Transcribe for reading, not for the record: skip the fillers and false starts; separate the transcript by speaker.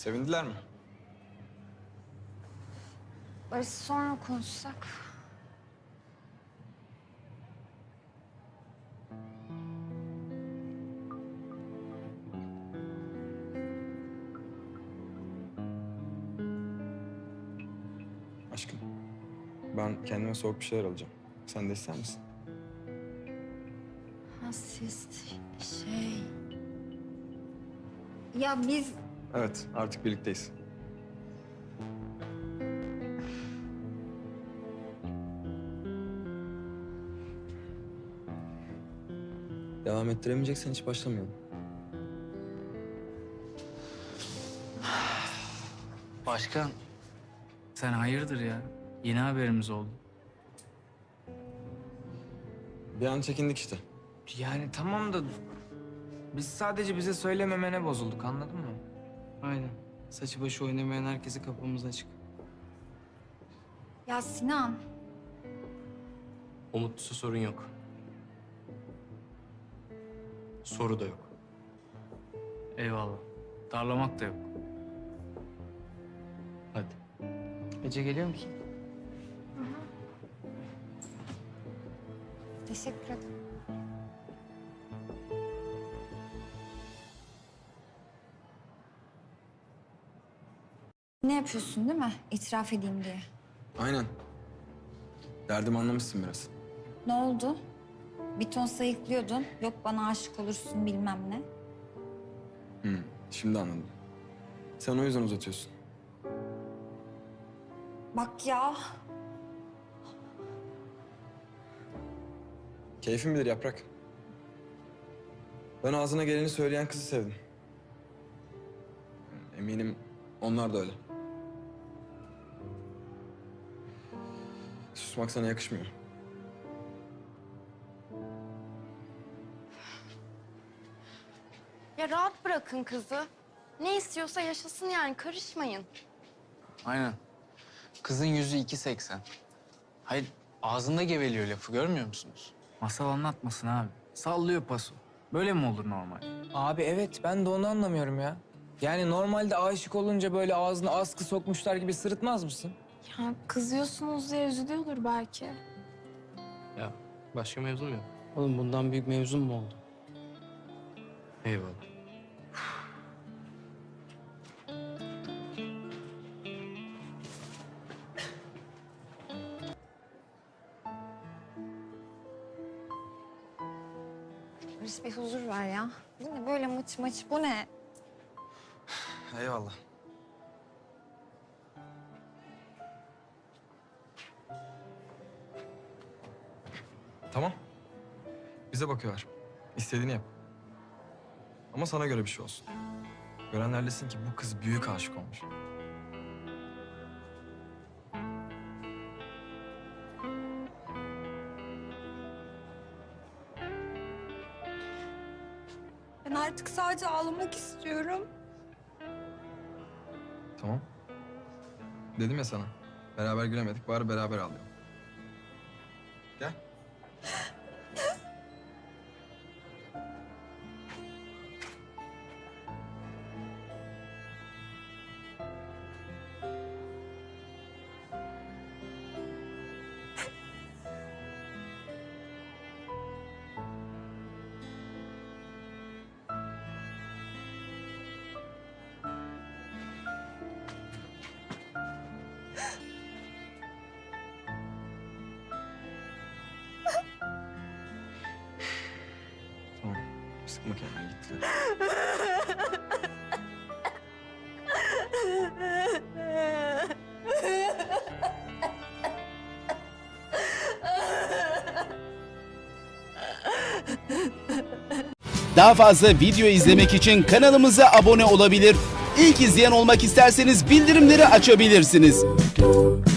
Speaker 1: Sevindiler mi?
Speaker 2: Barış sonra konuşsak.
Speaker 1: Aşkım, ben kendime soğuk bir şeyler alacağım. Sen de ister misin?
Speaker 2: Ha siz Ya biz...
Speaker 1: Evet, artık birlikteyiz. Devam ettiremeyeceksen hiç başlamayalım.
Speaker 3: Başkan, sen hayırdır ya? Yeni haberimiz oldu.
Speaker 1: Bir an çekindik işte.
Speaker 4: Yani tamam da biz sadece bize söylememene bozulduk, anladın mı?
Speaker 5: Aynen. Saçı başı oynamayan herkese kapımız açık.
Speaker 2: Ya Sinan,
Speaker 6: Umutlusu sorun yok. Soru da yok.
Speaker 3: Eyvallah. Darlamak da yok.
Speaker 6: Hadi.
Speaker 4: Ece geliyor musun?
Speaker 2: teşekkür ederim. Ne yapıyorsun değil mi? İtiraf edeyim diye.
Speaker 1: Aynen. Derdimi anlamışsın biraz.
Speaker 2: Ne oldu? Bir ton sayıklıyordun. Yok bana aşık olursun bilmem ne.
Speaker 1: Şimdi anladım. Sen o yüzden uzatıyorsun.
Speaker 2: Bak ya.
Speaker 1: Keyfin bilir Yaprak. Ben ağzına geleni söyleyen kızı sevdim. Eminim onlar da öyle. Susmak sana yakışmıyor.
Speaker 7: Ya rahat bırakın kızı. Ne istiyorsa yaşasın yani, karışmayın.
Speaker 3: Aynen. Kızın yüzü 2.80. Hayır, ağzında geveliyor lafı, görmüyor musunuz? Masal anlatmasın abi. Sallıyor paso. Böyle mi olur normal?
Speaker 4: Abi evet, ben de onu anlamıyorum ya. Yani normalde aşık olunca böyle ağzına askı sokmuşlar gibi sırıtmaz mısın?
Speaker 7: Ya kızıyorsunuz diye üzülüyordur belki.
Speaker 6: Ya başka mevzum yok.
Speaker 5: Oğlum bundan büyük mevzum mu oldu?
Speaker 6: Eyvallah.
Speaker 2: Barış bir huzur ver ya. Bu ne böyle mıç mıç, bu ne?
Speaker 1: Eyvallah. Tamam. Bize bakıyorlar. İstediğini yap. Ama sana göre bir şey olsun. Görenler desin ki bu kız büyük aşık olmuş.
Speaker 2: Ben artık sadece ağlamak istiyorum.
Speaker 1: Tamam. Dedim ya sana. Beraber gülemedik. Bari beraber ağlayalım. Gel. Tamam. Sıkma kendini, git.
Speaker 8: Daha fazla video izlemek için kanalımıza abone olabilir. İlk izleyen olmak isterseniz bildirimleri açabilirsiniz.